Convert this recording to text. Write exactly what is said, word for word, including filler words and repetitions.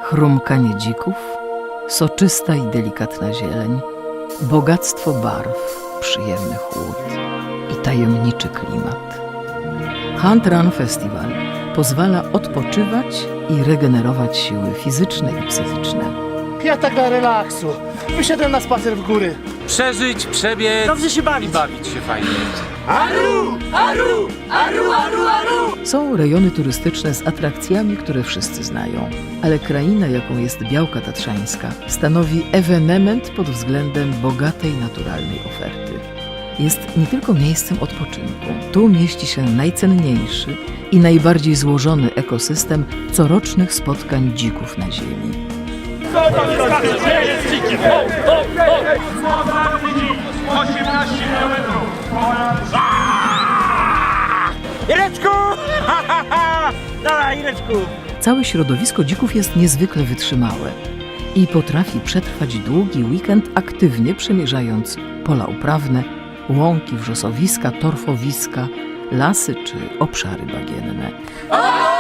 Chrumkanie dzików, soczysta i delikatna zieleń, bogactwo barw, przyjemny chłód i tajemniczy klimat. Hunt Run Festival pozwala odpoczywać i regenerować siły fizyczne i psychiczne. Ja tak dla relaksu. Wyszedłem na spacer w góry. Przeżyć, przebiec, Dobrze się bawić. i bawić się fajnie. Aru! Aru! Aru, aru, aru! Są rejony turystyczne z atrakcjami, które wszyscy znają, ale kraina, jaką jest Białka Tatrzańska, stanowi ewenement pod względem bogatej naturalnej oferty. Jest nie tylko miejscem odpoczynku. Tu mieści się najcenniejszy i najbardziej złożony ekosystem corocznych spotkań dzików na ziemi. osiemnaście kilometrów. Ireczku! Dawaj, Ireczku! Całe środowisko dzików jest niezwykle wytrzymałe i potrafi przetrwać długi weekend, aktywnie przemierzając pola uprawne, łąki, wrzosowiska, torfowiska, lasy czy obszary bagienne.